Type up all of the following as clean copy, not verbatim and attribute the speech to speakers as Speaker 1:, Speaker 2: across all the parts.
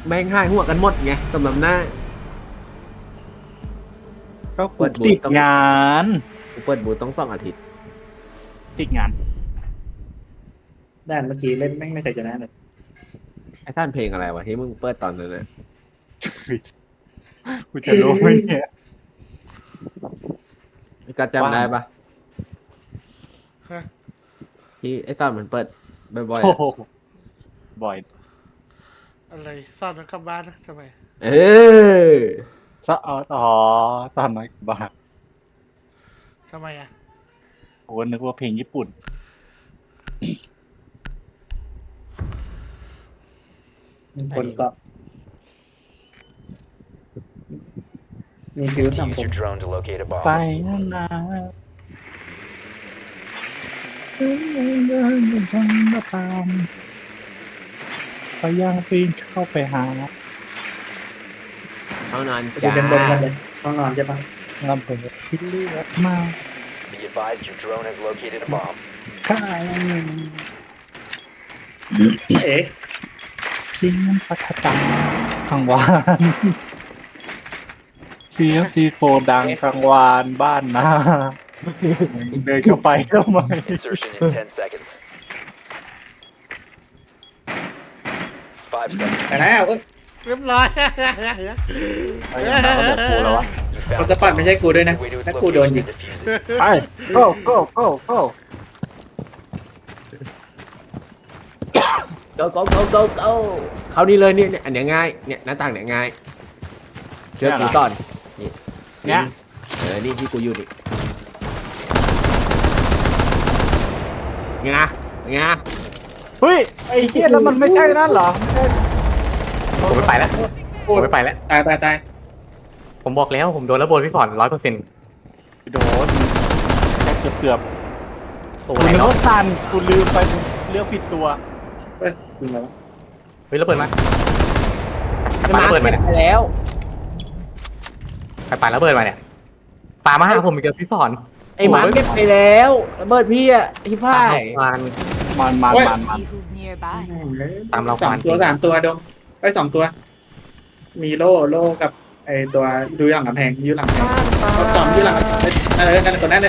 Speaker 1: แม่งหายหัวกันหมดไงสำหรับหน้า
Speaker 2: ก็กูติดงาน
Speaker 1: กูเปิดบูธต้อง2 อาทิตย์
Speaker 2: ติดงาน
Speaker 3: ด้านเมื่อกี้เล่นแม่งไม่เคยชนะเลย
Speaker 1: ไอ้ท่านเพลงอะไรวะที่มึงเปิดตอนนั้นนะ
Speaker 2: กูจะรู้ไหมเนี่ย
Speaker 1: ก็จำได้ปะ
Speaker 4: ฮะ
Speaker 1: ที่ไอ้ตอนมันเปิดบ่อยๆ
Speaker 2: โอ้
Speaker 1: อะ
Speaker 2: โหบ่อย
Speaker 4: อะไรซ่อนมันกลับบ้านนะทำไม
Speaker 1: เออ
Speaker 2: ซะอ๋อสามน้อยบาท
Speaker 4: ทำไมอ่ะ
Speaker 2: โอ้นึกว่าเพลงญี่ปุ่น
Speaker 3: คนก็มีฟิวสัง
Speaker 5: Use
Speaker 3: คม
Speaker 5: your drone to locate a bomb.
Speaker 2: ไปนะมาตามพยายามปีนเข้าไปหา
Speaker 1: เท่านั้น
Speaker 3: จะ
Speaker 1: จ้า
Speaker 3: เป็นบนกันเลยต้องนอนใช่ปะ
Speaker 2: งำเปิดที่เลือดมา
Speaker 5: Be advised your drone has located a bomb.
Speaker 2: ข้า
Speaker 3: เอ๊ะ
Speaker 2: ทิ้งพัฒตาขังวานเสียงซีโฟดังกลางวานบ้านนะเดินเข้าไปทำไม
Speaker 5: Insertion in 10 seconds. 5 seconds.
Speaker 3: ไปแล้วเอ้ย
Speaker 4: เรียบร้อย
Speaker 2: ไปอย่างนั้นก็แบบกูแล้ววะ
Speaker 5: You
Speaker 3: เขา
Speaker 5: found
Speaker 3: จะ
Speaker 5: the
Speaker 3: ปัดไม่ใช่กูด้วยนะ
Speaker 5: way to its
Speaker 3: ถ้ากูโดน
Speaker 5: location
Speaker 3: ยิง
Speaker 5: and defuse it.
Speaker 2: ไป go go go go
Speaker 1: โกโกโกโกโกเขานี่เลยเนี่ยอันเนี้ยง่ายเนี่ยหน้าต่างเนี่ยง่ายเชื่อกูก่อนนี่
Speaker 2: เนี่ย
Speaker 1: นี่ที่กูอยู่นี่ไงไง
Speaker 2: เฮ้ยไอ้เหี้ยแล้วมันไม่ใช่นั่นเหรอไม่ใช่
Speaker 6: ผมไม่ไปแล้ว
Speaker 3: โอ้
Speaker 6: ผม
Speaker 3: ย
Speaker 6: ไม่ไปแล้ว
Speaker 3: ตายตายตาย
Speaker 6: ผมบอกแล้วผมโดนระเบิดพี่ฝอน100%
Speaker 2: โดนแค่เกือบ
Speaker 6: โอ้
Speaker 2: กู
Speaker 6: ไหน
Speaker 2: นึก
Speaker 6: เนาะ
Speaker 2: ว่าซันกูลืมไปเลือกผิดตัว
Speaker 3: เอ้ยยิงแล้ว
Speaker 6: เฮ้ยระเบิดมา
Speaker 1: จะ
Speaker 6: ปา
Speaker 1: มา
Speaker 6: ระเบิดมา
Speaker 1: เก็บ
Speaker 6: เนี่ย
Speaker 1: ไปแล้ว
Speaker 6: ใครปาระเบิดมาเนี่ยปามาหาผมอีกแล้วพี่ฝอน
Speaker 1: ไอ้หมาเก็บไปแล้วระเบิดพี่อะที่พ่าย
Speaker 6: วาน
Speaker 2: มัน
Speaker 7: See who's nearby.
Speaker 6: ตามเรา
Speaker 3: สองตัว
Speaker 6: จริง
Speaker 3: สามตัวดงไอ้ย2 ตัว มีโล่กับไอ้ตัวดูหลังกำแพงอยู่หลังกำแพงเขาสองอยู่หลังนั่นเลยนั่นเลยตัวนั้นเลย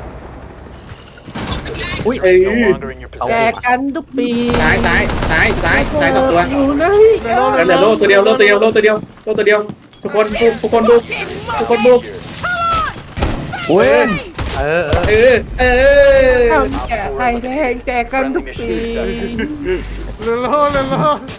Speaker 1: อุ้ย
Speaker 3: เอ้ย
Speaker 5: No longer in your
Speaker 1: แจ
Speaker 5: possession.
Speaker 1: กกันทุกปี
Speaker 3: ตาย2 ตัว
Speaker 1: อยู่ไหน
Speaker 3: เหลือโล่ตัวเดียวทุกคนบุกทุกคนบุก
Speaker 2: เว้น
Speaker 6: เออ
Speaker 3: เออ
Speaker 1: ทำแจกไข่แดงแจกกันทุกปี
Speaker 4: เร็วๆเร็ว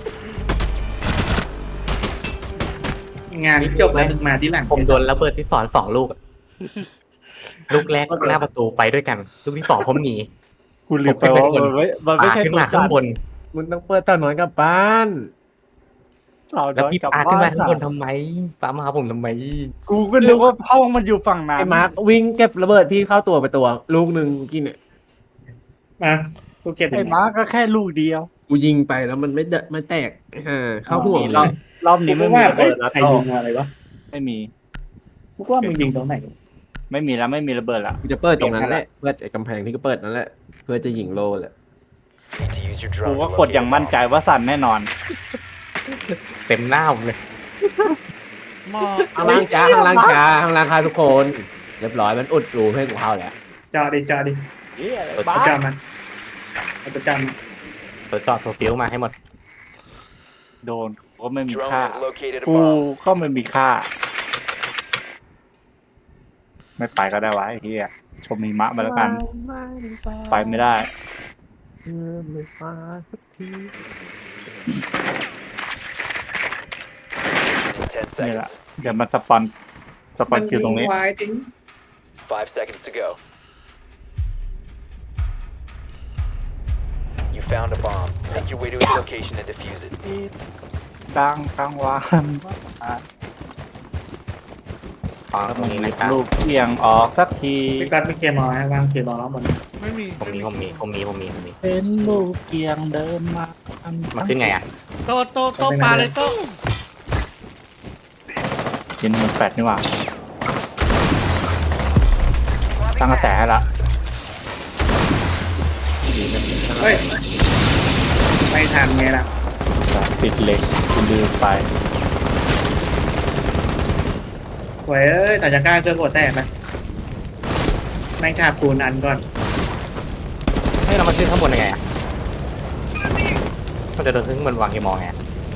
Speaker 3: งานจบแล้วมาที่หลัง
Speaker 6: ผมโดนระเบิดพี่ฝอน2 ลูกอะลูกแรกหน้าประตูไปด้วยกัน ลูกที่2ผมหนี
Speaker 2: กูลืมไปว่ามันไม่
Speaker 6: ปา
Speaker 2: ใช่
Speaker 6: ขึ้น
Speaker 2: ตัว
Speaker 6: มาข้างบน
Speaker 1: มึงต้องเปิดตอนนอนกับบ้าน
Speaker 2: สาว
Speaker 6: แล้ว
Speaker 2: น้อย
Speaker 6: พี่
Speaker 2: กลับ
Speaker 6: ปา
Speaker 2: บ้า
Speaker 6: ขึ้นมาน ข้างบนทำไมปามาหาผมทำไม
Speaker 2: กูก็นึกว่าห้องมันอยู่ฝั่งนั้น
Speaker 1: ไอ้มาร์ควิ่งเก็บระเบิดพี่เข้าตัวไปตัว ลูกหนึ่งกินเนี่ย
Speaker 3: มากูเก็บ
Speaker 2: ไอ้ม้าก็แค่ลูกเดียว
Speaker 1: กูยิงไปแล้วมันไม่ไม่แตกเข้าหัว
Speaker 2: ร
Speaker 1: เล
Speaker 2: อบ
Speaker 1: ย
Speaker 2: รอบนี้
Speaker 3: กู
Speaker 2: ไม่มี
Speaker 3: ว่า
Speaker 2: ระเบิดแล้ว
Speaker 3: ใครยิงอะไรวะ
Speaker 2: ไม่มี
Speaker 3: กูว่ามึงยิงตรงไหน
Speaker 2: ไม่มีแล้วไม่มีระเบิดละ
Speaker 1: กูจะเปิดตรงนั้นแหละเปิดไอ้กำแพงที่ก็เปิดนั่นแหละเพื่อจะยิงโลแหละ
Speaker 5: Need to use your
Speaker 2: กู
Speaker 5: drone
Speaker 2: ก็
Speaker 5: to
Speaker 2: กด
Speaker 5: locate
Speaker 2: อย่าง
Speaker 5: a
Speaker 2: มั่น
Speaker 5: bomb.
Speaker 2: ใจว่าสั่นแน่นอน
Speaker 6: เต็มหน้าผมเลย
Speaker 4: ๆหมอ
Speaker 1: ข้างล่างจ้าข้างล่างจ้าข้างล่างค่ะทุกคน เรียบร้อยมันอุดรูให้กูเข้าแล้ว
Speaker 3: จอดิ
Speaker 2: บ้า
Speaker 3: เอาจอมาเอาจอมา
Speaker 6: ตัวจอดตัวฟิวมาให้หมด
Speaker 2: โดนกูก็ไม่มี
Speaker 5: Drone
Speaker 2: ค่า
Speaker 5: has located a
Speaker 2: กู
Speaker 5: bomb.
Speaker 2: ก็ไม่มีค่า ไม่ไปก็ได้วะไอ้เหี้ยชมหิมะมาแล้วกัน ไปไม่ได้
Speaker 1: ไม่มาสักที
Speaker 5: In 10
Speaker 2: นี่
Speaker 5: seconds.
Speaker 2: แหละ เดี๋ยวมันสปอนคิวตรงนี้
Speaker 3: วายจริง
Speaker 5: 5 seconds to go. You found a bomb. Make your way to its location and defuse it.
Speaker 2: ดังกลางวาน
Speaker 6: ขอตรงนี้นะครับ
Speaker 2: ลูกเอียงออกสักที
Speaker 3: พี่กัดมีเคมอลให้วางเคมอลแล้วบน
Speaker 4: ไม่มี
Speaker 6: ผมมี
Speaker 2: เป็นลูกเกียงเดินมา
Speaker 6: มาขึ้นไงอ่ะ
Speaker 4: โตปลาเลยโต
Speaker 2: ยินมันแฟดนี่หว่าสร้างกระแสให้ละ
Speaker 3: เฮ้ยไม่ทันไงล่ะ
Speaker 2: ติดเหล็กคุณลืมไป
Speaker 3: เว้ยแต่จะกล้าเจอหัวแตกไหมแม่งฉาบปูนอันก่อน
Speaker 6: ให้เรามาขึ้นข้างบนยังไงอะมันจะเดินขึ้นบนวางกี่มองไง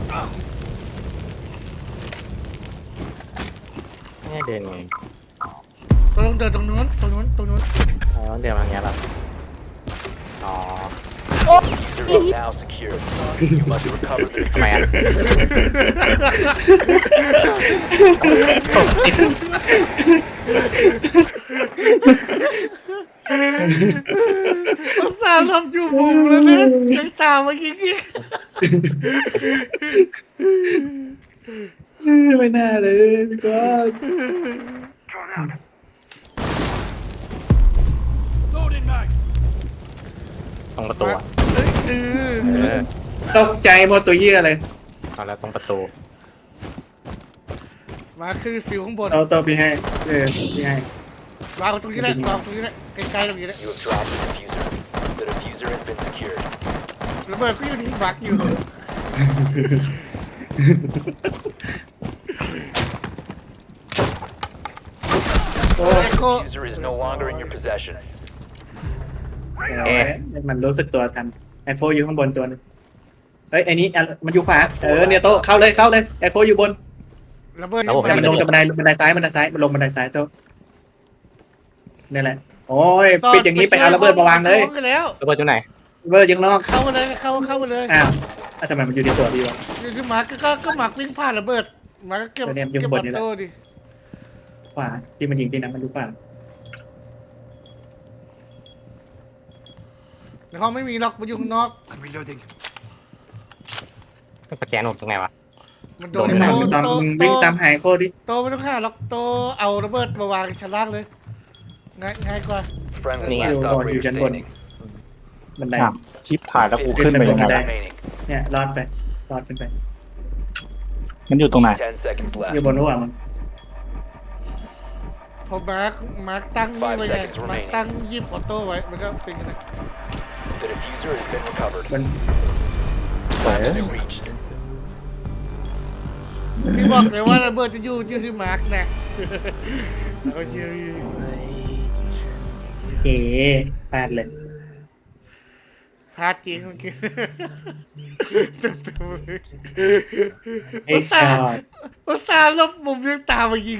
Speaker 6: เนี่ยเดินไง
Speaker 4: ต้องเดินตรงนู้นตรงนู้นตรงนู้น
Speaker 6: แล้วเดินมาอย่างเงี้ยแบบอ๋อ
Speaker 5: User is now secured. You must recover the
Speaker 6: ทำไมอ่ะ
Speaker 4: อุตส่าห์หลบอยู่มุมแล้วนะยังตามมากี้
Speaker 3: ไม่น่าเลยพี่ก้อน
Speaker 6: ตรงประตูอ่ะ
Speaker 4: เออ
Speaker 6: เออ
Speaker 3: ตกใจหมดตัวเหี้ยเลย
Speaker 6: เอาแล้วตรงประตู
Speaker 4: มาคือฟิวข้างบน
Speaker 3: เอาตัวพี่ให้พี่ให้
Speaker 4: วางตรงนี้แหละวางตรงนี้แหละใกล้ๆตรงนี้แหละ
Speaker 5: You have dropped the diffuser. The diffuser has been secured.
Speaker 4: ระเบิดก็อยู่ที่บักอยู่
Speaker 3: โอ้
Speaker 4: เอ็กโค
Speaker 5: Diffuser is no longer in your possession.
Speaker 3: มันรู้สึกตัวทันแอคโคอยู่ข้างบนตัวนึงเฮ้ยไอ้นี้มันอยู่ขวาเนี่ยโตเข้าเลยแอคโคอยู่บน
Speaker 4: ระเบิด
Speaker 3: มันลงจากบันไดซ้ายมันลงบันไดซ้ายโตนี่แหละโอ้ยปิดอย่างนี้ไปเอาระเบิดมาวางเลย
Speaker 4: แล้ว
Speaker 6: ระเบิดอยู่ไหน
Speaker 3: ระเบิดยังนอก
Speaker 4: เข้ามาเลยเข้ามาเลย
Speaker 3: อ้าวทำไมมันอยู่ในตัวพี่วะ
Speaker 4: คือหมาก็หมักวิ่งผ่านระเบิดหมาก็เก็บ
Speaker 3: เนี่ยอยู่
Speaker 4: เก็บ
Speaker 3: ข้างบ
Speaker 4: บั
Speaker 3: น
Speaker 4: ต
Speaker 3: นี่แหละ
Speaker 4: โต้ดิ
Speaker 3: ขวาที่มันยิงที่นั้นมันอยู่ขวา
Speaker 4: ในห้องไม่มีล็อกมันอยู่ข้างนอก
Speaker 6: สแกนผมตรงไหนวะ
Speaker 4: มันโด
Speaker 3: โด
Speaker 4: น
Speaker 3: นตามตามวิ่งตามหายโคดิ
Speaker 4: โตไม่ต้องฆ่าล็อกโตเอาระเบิดมาวางชั้นล่างเลยง่ายกว่า
Speaker 5: Friendly
Speaker 3: Hang on.
Speaker 5: last operator
Speaker 3: Hang on.
Speaker 5: standing.
Speaker 3: บันได
Speaker 2: อ้าวชิปผ่านแล้วกูขึ้นไปยังไง
Speaker 3: ได้
Speaker 5: Remaining.
Speaker 3: เนี่ยรอดขึ้นไป
Speaker 2: มันอยู่ตรงไหน
Speaker 5: 10 seconds
Speaker 3: อยู่
Speaker 5: left.
Speaker 3: บนหัวมัน
Speaker 4: พอมาร์คตั้งนี่ไว้ไงมาร์คตั้งยิบออโต้ไว้มันก็เป็นไง
Speaker 5: The diffuser has been recovered.
Speaker 3: มัน
Speaker 5: Been reached.
Speaker 4: พี่บอกเลยว่าระเบิดจะอยู่ที่มาร์คนะแล้วก็ยืน
Speaker 3: เอ๋พลาดเลย
Speaker 4: พลาดจริงเมื่อกี้เต็มเลย
Speaker 3: ไอ้ช็อต
Speaker 4: อุตส่าห์ลบมุมยังตามมายิง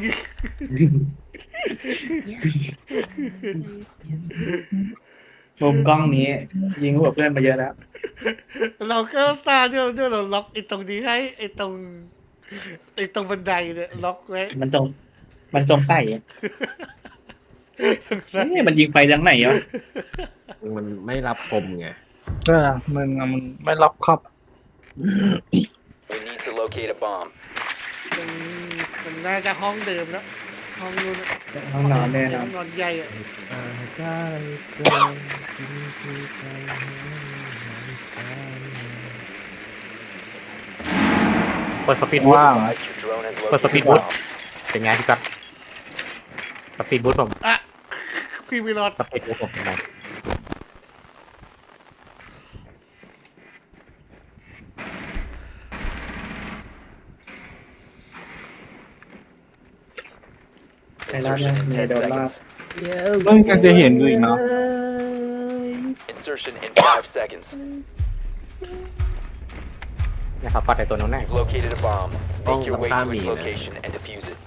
Speaker 3: มุมกล้องนี้ ยิงหัวเพื่อนมาเยอะแล้ว
Speaker 4: เราก็อุตส่าห์เนี่ยเราล็อกไอ้ตรงนี้ให้ไอ้ตรงบันไดเนี่ยล็อกไว้
Speaker 3: มันจงใส่อะมันยิงไปทางไหนวะ
Speaker 1: มันไม่รับคมไง
Speaker 2: มึงมันไม่รับครับ
Speaker 5: We need to locate a bomb.
Speaker 4: มันน่าจะห้องเดิมแล้วห้องนู้น
Speaker 3: ห้องนอนแน่นอน
Speaker 4: ห้องนอนใหญ่อะ
Speaker 6: เปิดสปีดบูท
Speaker 2: ว่าง
Speaker 5: Your drone has
Speaker 6: เปิดส
Speaker 5: located
Speaker 6: ปี
Speaker 5: a
Speaker 6: ดบูท
Speaker 5: bomb.
Speaker 6: เป็นไงพี่กั๊กสปีดบูทผม
Speaker 4: อ่ะพี่ไม่รอด
Speaker 6: สปีดบูทผมเป็นไง
Speaker 3: ใครรอดยังมีโดนรอด
Speaker 2: มึงยังจะเห็นอยู่อีกเนาะ
Speaker 5: Insertion in 5 seconds.
Speaker 6: นะครับปัดในตัวนู้นแน่
Speaker 5: You've located a bomb.
Speaker 1: Oh,
Speaker 5: Make your way to its
Speaker 1: Lamborghini.
Speaker 5: location and defuse it.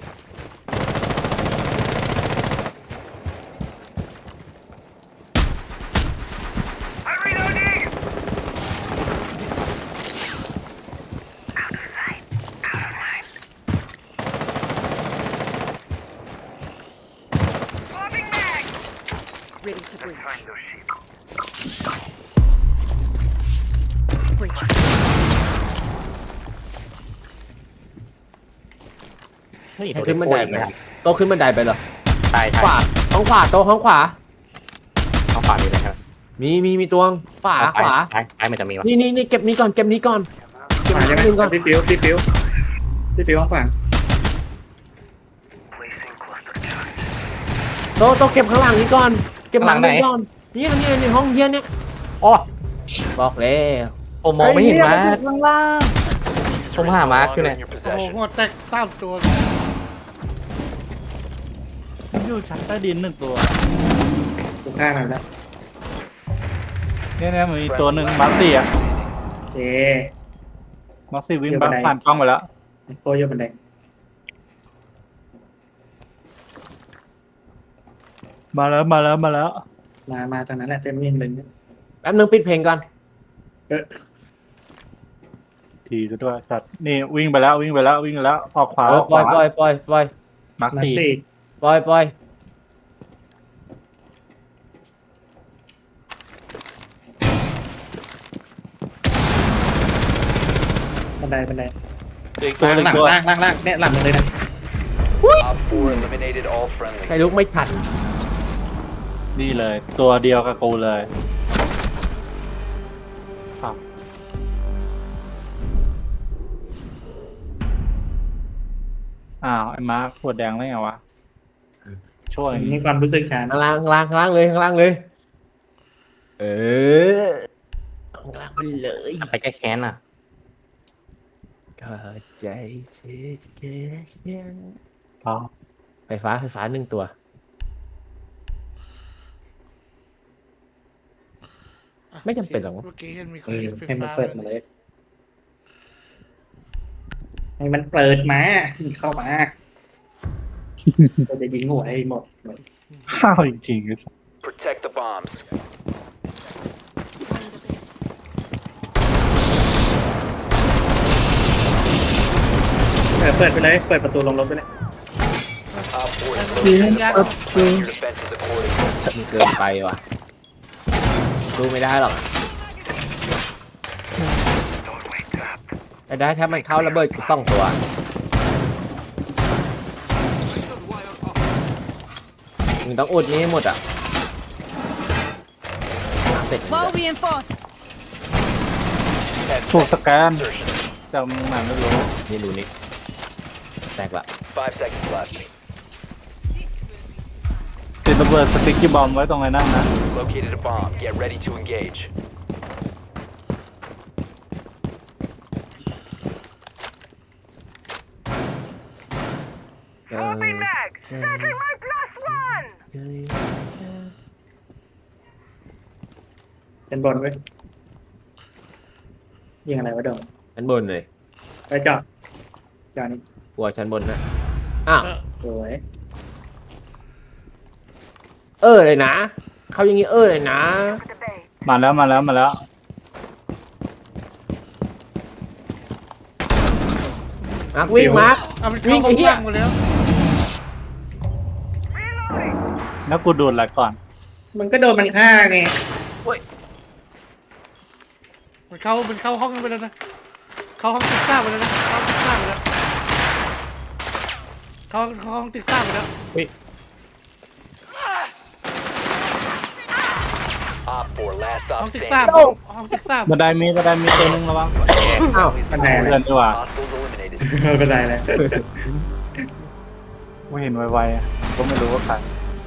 Speaker 7: Ready to breach. Breach.
Speaker 6: เฮ้ย
Speaker 1: ให้ขึ้นบันไดไปโตขึ้นบันไดไปเหรอ
Speaker 6: ใช่
Speaker 1: ขวาห้องขวาโตห้องขวา
Speaker 6: ห้องขวามีอะไรครับ
Speaker 1: มีตัวขวาขวา
Speaker 6: ซ้ายมันจะมีวะ
Speaker 1: นี่เก็บนี้ก่อนเก็บนี้ก่อนเก็บ
Speaker 3: ขวาใช่ไหม
Speaker 1: นึงก่อน
Speaker 3: พี่ฟิวห้องขวา
Speaker 1: โตเก็บข้างหลังนี้ก่อนเก็บหลังนี้ก่อนนี่ห้องเย็นเนี่ย
Speaker 6: อ๋อ
Speaker 1: บอกแล้ว
Speaker 6: ผมมองไม่เห็นมา
Speaker 2: ไอ้
Speaker 6: ร์ค
Speaker 2: ข้างล่าง
Speaker 6: ผมหามาร์คอยู่เนี่ย
Speaker 5: In your
Speaker 4: โอ้โห
Speaker 5: possession.
Speaker 4: หัวแตกสามตัว
Speaker 2: มันอยู่ชั้นใต้ดินหนึ่งตัว
Speaker 3: ถูกฆ่ามันแล้ว
Speaker 2: เนี่ยมันมีตัวหนึ่งมาร์คสี่อะ
Speaker 3: โอเค
Speaker 2: มาร์คสี่วิ่ง
Speaker 3: เดี๋ยวไปไหน
Speaker 2: ผ่านกล้องไปแล้ว
Speaker 3: โคโยบันได
Speaker 2: มาแล้วมาแล้วมาแล้ว
Speaker 3: มาทางนั้นแหละเต็มวิ่งเลยเนี่ย
Speaker 1: แป๊บนึงปิดเพลงก่อน
Speaker 2: ทีซะด้วยสัตว์นี่วิ่งไปแล้ววิ่งไปแล้ววิ่งไปแล้วออกขวาออก
Speaker 1: ป
Speaker 2: ข
Speaker 1: ล่อ
Speaker 2: วาย
Speaker 1: ปล่อยปล่อย
Speaker 2: มาร์ค
Speaker 3: มา
Speaker 2: สี่
Speaker 3: สี่
Speaker 1: ปล่อยปล่อย
Speaker 3: บันไดบันได
Speaker 2: อีกตัวหนึ่ง
Speaker 3: ล่าง
Speaker 2: ตัว
Speaker 3: ล่างล่างล่างเนี่ยหลังมันเลยนะ
Speaker 5: Op 4 eliminated all
Speaker 1: ใคร
Speaker 5: friendly.
Speaker 1: ลุกไม่ทัน
Speaker 2: นี่เลย ตัวเดียวกับกูเลยอ้าวไอ้มาร์คขวดแดงได้ไงวะช่วย
Speaker 3: นี่ความรู้สึกฉัน
Speaker 1: ข้างล่างข้างล่างข้างล่างเลยข้างล่างเลย เออข้างล่างไปเลย
Speaker 6: ไปแก้แค้นอ่ะ
Speaker 1: ก็ใจเสียเกิน
Speaker 2: อ๋อ
Speaker 1: ไฟฟ้าหนึ่งตัว ไม่จำเป็นหรอก
Speaker 4: เมื่อกี้เห็นมีคน
Speaker 3: ให้มันเปิดมาเลยให้มันเปิดมาเข้ามาเราจะยิงหัวให้หมด
Speaker 2: ข้าวจริงๆไอ้สัส
Speaker 5: Protect the bombs.
Speaker 3: เปิดไปเลยเปิดประตูลงรถไปเลย
Speaker 5: Op 4 is
Speaker 4: เฮ้ย
Speaker 5: located.
Speaker 4: ยาก
Speaker 5: Plan your defenses accordingly.
Speaker 1: มันเกินไปว่ะดูไม่ได้หรอกแต่ได้ถ้ามันเข้าระเบิดกู2 ตัวมึงต้องอุดนี้ให้หมดอ่ะเสร็จ
Speaker 7: Wall reinforced.
Speaker 2: ถูกสแกน
Speaker 5: Insertion.
Speaker 2: จากมึงไหนไม่รู้
Speaker 1: นี่ดูนี่แตกละ
Speaker 5: 5 seconds left.
Speaker 2: ติดระเบิดสติ๊กกี้บอมไว้ตรงไหนนั่งนะ
Speaker 5: Located a bomb. Get ready to engage.
Speaker 3: เป็นบนไว้ยิงอะไรวะโดม
Speaker 1: ชั้นบนเลย
Speaker 3: ไปจอดนี่
Speaker 1: กลัวชั้นบนนะอ้าว
Speaker 3: สวย
Speaker 1: เลยนะเขาอย่างงี้เลยนะ
Speaker 2: มาแล้วมาแล้วมาแล้ว
Speaker 1: มาร์ควิ่งมาร์ค
Speaker 4: เอามัน
Speaker 1: วิ่
Speaker 4: เข้าง
Speaker 1: ไอ้เหี้ย
Speaker 4: หมดแล้ว
Speaker 2: แล้วกูดูดอะไรก่อน
Speaker 3: มันก็โดนมันฆ่าไง
Speaker 4: มันเข้าห้องนั้นไปแล้วนะเข้าห้องติ๊กซ่าไปแล้วนะเข้าติ๊กซ่าไปแล้วเข้าห้องติ๊กซ่าไปแล้ว
Speaker 5: Op 4 last
Speaker 4: ห้อง
Speaker 5: stop
Speaker 4: ติ๊กซ่า
Speaker 5: standing.
Speaker 4: ห้องติ๊กซ่า
Speaker 2: บันไดมีตัวหนึงระวัง
Speaker 1: อ้าว
Speaker 3: บันไดอะไร
Speaker 2: เดินดีกว่า
Speaker 5: Hostiles eliminated.
Speaker 3: ไม่เป็นไรเลย
Speaker 2: ไม่เห็นไวๆอะก็ไม่รู้ว่าใคร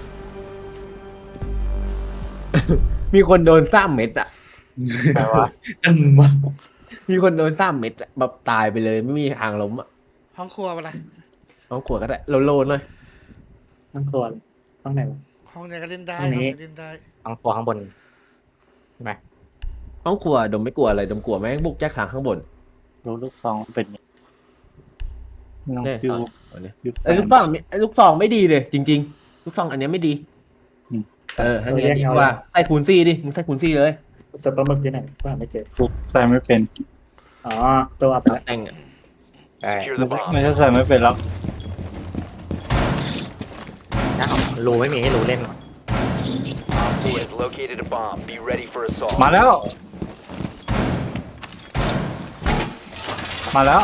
Speaker 1: มีคนโดน3 เม็ดอ่ะ
Speaker 2: ใครวะ
Speaker 1: มีคนโดน3 เม็ดอะแบบตายไปเลยไม่มีทางล้มอ่ะ
Speaker 4: ห้องครัวไปละ
Speaker 1: เอาขวดก็ได้โลนหน่อย
Speaker 3: ต้องครัวต้องไหนวะ
Speaker 4: ห้องไหนก็เล่นได้
Speaker 3: ห้องนี้
Speaker 4: ห้องไหนเล่นได้
Speaker 6: ข้างตัวข้างบนใช่ไหม
Speaker 1: ห้องครัวดมไม่กลัวอะไรดมกลัวแม่งบุกแจ็คทางข้างบน
Speaker 2: รู้ลูกซองเป็นไงไม่ต้อง
Speaker 1: เนี่ย
Speaker 2: ฟิว
Speaker 1: ตอนนี้
Speaker 2: ฟิวแฟ
Speaker 1: ไอ้
Speaker 2: น
Speaker 1: ลูกซองไม่ดีเลย จริง ๆ ลูกซองอันเนี้ยไม่ดี
Speaker 2: อืม
Speaker 1: ทางนี้ดีกว่าใส่คูณซี่ดิมึงใส่คูณซี่เลย
Speaker 3: ตัวปลาหมึกที่ไหนว่าไม่เจอ
Speaker 2: ฟุกใส่ไม่เป็น
Speaker 3: อ๋อตัวอับแล้ว
Speaker 1: แต่งอะ
Speaker 6: ใช่
Speaker 5: Secure
Speaker 2: ไม่
Speaker 5: the
Speaker 2: ใช่
Speaker 5: bomb.
Speaker 2: ไม่ใช่ใส่ไม่เป็นแล้ว
Speaker 6: รูไม่มีให้รูเล่น
Speaker 5: Op 4 has located a bomb. Be ready for assault.
Speaker 2: มาแล้ว มาแล้ว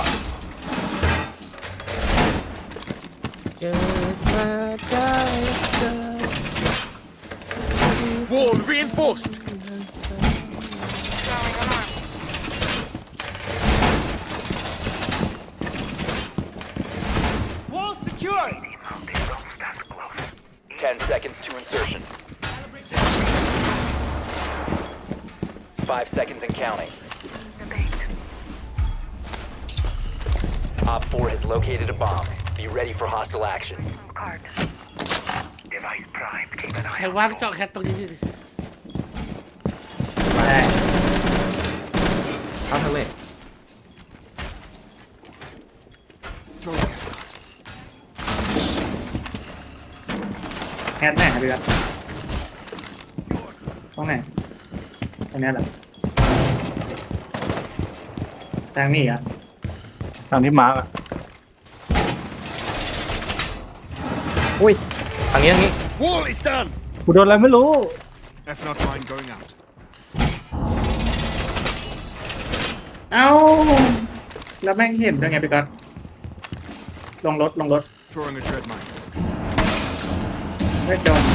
Speaker 1: เจอมาได้เจอ
Speaker 8: Wall reinforced. Wall secured.
Speaker 5: 10 seconds to insertion. 5 seconds and counting. Op 4 has located a bomb. Be ready for hostile action.
Speaker 4: ใครว่างเจาะแคทตรงนี้ดิ
Speaker 3: มาได้
Speaker 1: เข้าทางเลย
Speaker 3: แฮทไหนครับพี่ครับตรงไหนตรงนี้เหรอทางนี้อ่ะ
Speaker 2: ทางที่มาร์กอะ
Speaker 6: อุ้ยทางนี้
Speaker 8: Wall is done.
Speaker 2: กูโดนอะไรไม่รู้
Speaker 8: F0 mine going out.
Speaker 3: เอ้าแล้วแม่งเห็นด้วยไงพี่ก๊อตลงรถ
Speaker 8: Throwing a dread mine.
Speaker 3: ไม่โดน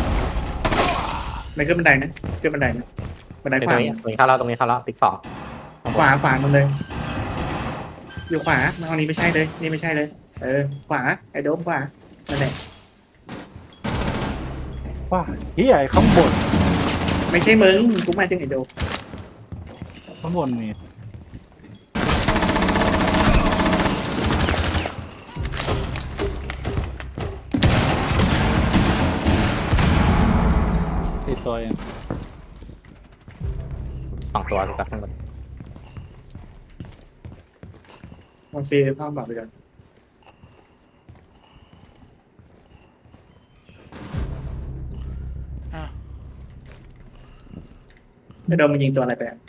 Speaker 3: ไม่ขึ้นบันไดนะขึ้นบันไดนะบันได
Speaker 6: ต
Speaker 3: ขวา
Speaker 6: รงนี้เข้าแล้วตรงนี้เข้าแล้วติ๊กสอง
Speaker 3: ขวามันเลย อยู่ขวามาเอานี้ไม่ใช่เลยนี่ไม่ใช่เลย ขวาไอ้โดมขวานั่นแหละ
Speaker 2: ว่าเฮียไอ้ข้างบน
Speaker 3: ไม่ใช่มึงกูมาถึงไอ้โดม
Speaker 2: ข้างบนมีสี่ตัวเอง
Speaker 6: 2 ตัวถูกกับข้างบน
Speaker 3: ลองซีเข้าบอกไปก่อน
Speaker 4: อ้าว
Speaker 3: ไอ้โดมมันยิงตัวอะไรไปอะ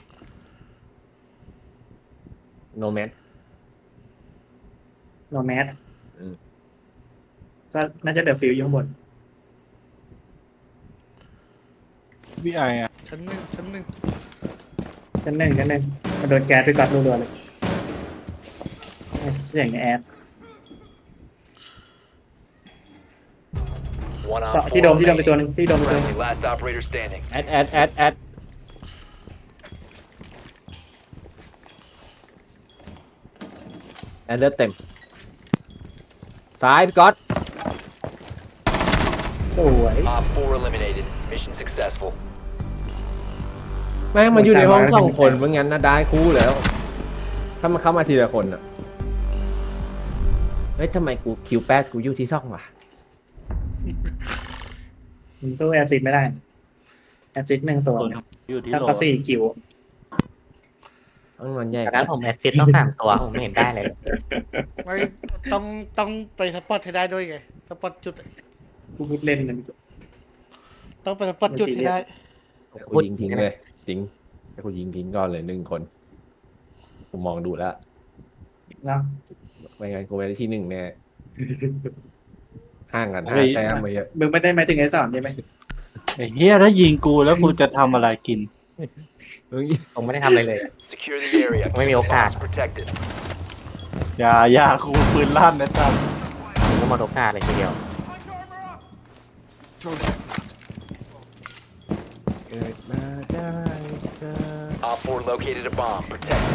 Speaker 1: โนแมน
Speaker 3: โนแมส
Speaker 1: อืม
Speaker 3: ก็น่าจะเดือดฟิวอยู่ข้างบน
Speaker 2: วีไออะ
Speaker 4: ชั้นหนึ่ง
Speaker 3: ชั้นหนึ่งมันโดนแก๊สไปกัดรัวๆเลยเสียงแอด
Speaker 5: One on
Speaker 3: ที่โดม
Speaker 5: 4
Speaker 3: ไปตัวหนึง
Speaker 5: remaining.
Speaker 3: ที่โดมไปตัวหนึง
Speaker 5: Friendly last operator standing.
Speaker 1: แอดเลือดเต็มซ้ายพี่ก๊อต
Speaker 3: สวย
Speaker 5: Op 4 eliminated. Mission successful.
Speaker 1: แม่งมันอยู่ในห้อง2 คนเพราะงั้นนะได้คู่แล้ว ถ้ามันเข้ามาทีละคนอ่ะเฮ้ยทำไมกูคิวแปดกูอยู่ที่2วะ
Speaker 3: มันสู้แอดซิดไม่ได้แอดซิด1 ตัว
Speaker 2: ตัวอยู่ที่
Speaker 3: ถ้า
Speaker 2: โล
Speaker 3: ก็4 คิว
Speaker 1: ต้องนอนแยก
Speaker 6: จากนั้นผมแอดฟิตต้อง3 ตัวผมไม่เห็นได้เลย
Speaker 4: ไม่ต้องไปสปอตให้ได้ด้วยไงสปอตจุด
Speaker 3: กูพูดเล่นนะ
Speaker 4: ต้องไปสปอตจุดให้ได้
Speaker 1: กูยิงทิ้งเลยจริงแต่กูยิงทิ้งก่อนเลย1 คนกูมองดูแล้ว
Speaker 3: เนาะ
Speaker 1: ไม่งั้นกูไม่ได้ที่ 1แน่ห่างกัน5 แต้มไปเยอะ
Speaker 3: มึงไม่ได้หมายถึงไอ้สอนใช่ไหม
Speaker 2: ไอ้เฮียถ้ายิงกูแล้วกูจะทำอะไรกิน
Speaker 6: ผมไม่ได้ทำอะไรเลย
Speaker 5: Secure the area.
Speaker 6: ไม่มีโอกาส
Speaker 5: Bombs protected.
Speaker 2: อย่ากูปืนลั่นนะจ๊ะ
Speaker 6: ผมก็หมดโอกาสเลยทีเดียว
Speaker 8: Throw the F0.
Speaker 1: เกิดมาได้เจอ
Speaker 5: Op 4 located a bomb. Protected.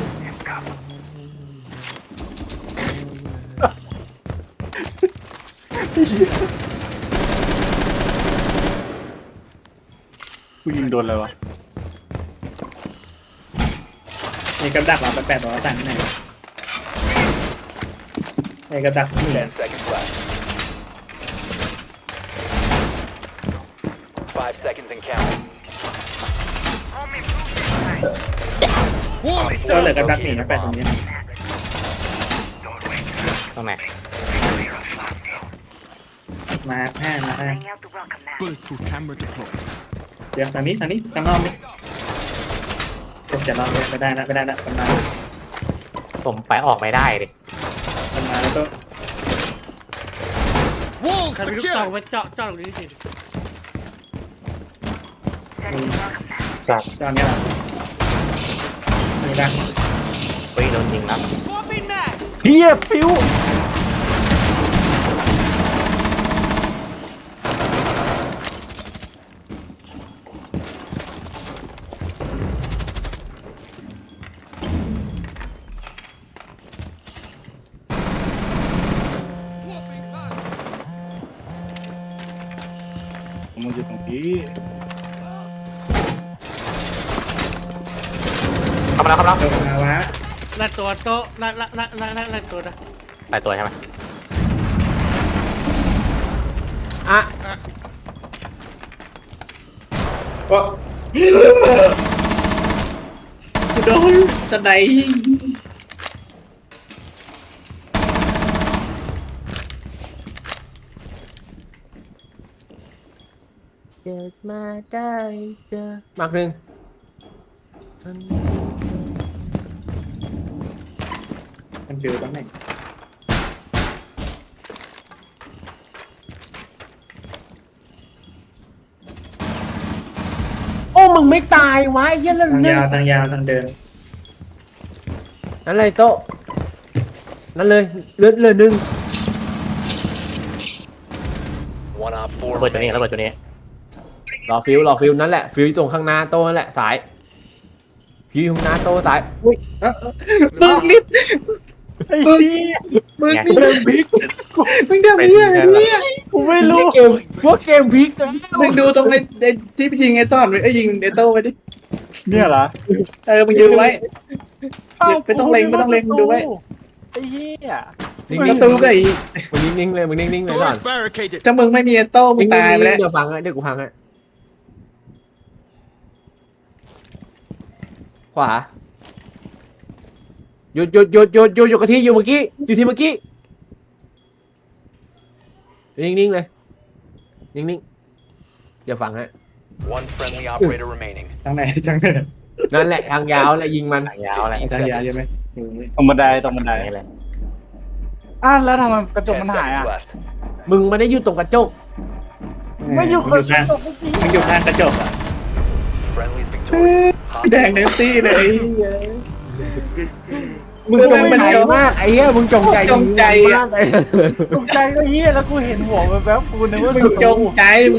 Speaker 2: กูยิงโดนอะไรวะ
Speaker 3: มีกับดักเหรอแปลกๆบอกว่าต่างที่ไหนไอ้กับดักนี่แหละ
Speaker 5: 10 seconds left. 5 seconds and counting.
Speaker 8: Wall is
Speaker 3: ก็เหลือ
Speaker 8: done.
Speaker 3: กับดักนี่นะแปลกตรงนี้นะ
Speaker 6: ตรงไหน
Speaker 3: มา5
Speaker 8: Bulletproof camera deployed.
Speaker 3: เดี๋ยวทางนี้ทางนอกนี่จะนอนไม่ได้ละมันมา
Speaker 6: ผมไปออกไม่ได้ดิ
Speaker 3: แล้วก็
Speaker 8: Wall
Speaker 4: ใครมีลูกซอง
Speaker 8: secured.
Speaker 4: ไว้เจาะตรงนี้สิ
Speaker 2: สัตว์
Speaker 3: ตอนนี้ละนี่นะ
Speaker 6: เฮ้ยโดนยิงแล้ว
Speaker 8: Swapping mag.
Speaker 2: เฮียฟิว มันอยู่ตรงนี้
Speaker 6: เข้ามาแล้ว
Speaker 3: มาวะ
Speaker 4: ละตัวโต๊ะละตัวนะ
Speaker 6: ไปตัวใช่ไหม
Speaker 1: อ่ะ
Speaker 3: ก็โดนจะไหน
Speaker 1: เกิดมาได้เจอมากหนึ่ง
Speaker 3: มันเจอตรงไหน
Speaker 1: โอ้มึงไม่ตายวะไอ้เหี้ยเรื่อง
Speaker 3: ทาง
Speaker 1: นึง
Speaker 3: ยาวทางยาวทางเดิน
Speaker 1: นั่นเลยโต๊ะนั่นเลยเลือดหนึ่ง
Speaker 5: One op
Speaker 6: ระ
Speaker 5: 4
Speaker 6: เบิดตัวนี้
Speaker 5: remaining.
Speaker 6: ระเบิดตัวนี้
Speaker 1: รอฟิวนั่นแหละฟิวตรงข้างหน้าโต๊ะนั่นแหละสายฟิวอยู่ข้างหน้าโต๊ะสายอุ้ย
Speaker 3: มึงนิด
Speaker 2: ไอ้เหี้ย
Speaker 3: มึง
Speaker 6: ไง
Speaker 3: นี่
Speaker 1: เกมพลิก
Speaker 3: มึงทำอะไรเนี่ย
Speaker 2: กูไม่รู้
Speaker 1: เกมพวกเกมพลิก
Speaker 3: มึงดูตรงไอ้ที่ยิงไอ้ซ่อนไอ้ยิงไอ้โต้ไปดิ
Speaker 2: เนี่ยเหรอ
Speaker 3: มึงยืนไว้ ไม่ต้องเล็งไม่ต้องเล็งดูไว้
Speaker 2: ไอ้เหี้ย
Speaker 1: นิ่ง
Speaker 3: ประ
Speaker 1: ๆ
Speaker 3: ตูก็อีก
Speaker 1: มึงนิ่งๆเลยมึงนิ่งๆเลยก่อน
Speaker 8: Doors barricaded.
Speaker 3: ถ้ามึงไม่มีไอ้โต้มึงตายไปแล้ว
Speaker 1: เดี๋ยวฟังเดี๋ยวกูพังให้ขวาหยุดกับที่อยู่เมื่อกี้อยู่ที่เมื่อกี้นิ่งๆเลยนิ่งๆเดี๋ยวฟังฮะ
Speaker 5: One friendly operator remaining.
Speaker 3: ทางไหนทางไหน
Speaker 1: นั่นแหละทางยาวแหละยิงมัน
Speaker 6: หางยาวอะไร
Speaker 3: ทางยาวใช่ไหม
Speaker 2: ตรงบันไดตรงบันได
Speaker 6: นี่เลย
Speaker 2: แล้วทำไมกระจก
Speaker 5: 10
Speaker 2: มันหายอ่ะ
Speaker 5: seconds left.
Speaker 1: มึงไม่ได้อยู่ตรงกระจก
Speaker 2: ไม่อยู่
Speaker 3: มึง
Speaker 2: กระ
Speaker 3: อยู่
Speaker 2: จ
Speaker 3: ข้าง
Speaker 2: ก
Speaker 3: มึงอยู่ข้างกระจกอ่ะ
Speaker 5: Friendly's victorious.
Speaker 3: แดงเนสตี้เลย
Speaker 1: มึงจงใจมากไอ้เหี้ยมึงจงใจ
Speaker 3: จงใจ
Speaker 1: มากเลย
Speaker 2: ตกใจก็เหี้ยแล้วกูเห็นหัวแบบกูนึกว่า
Speaker 3: มึงจงใจ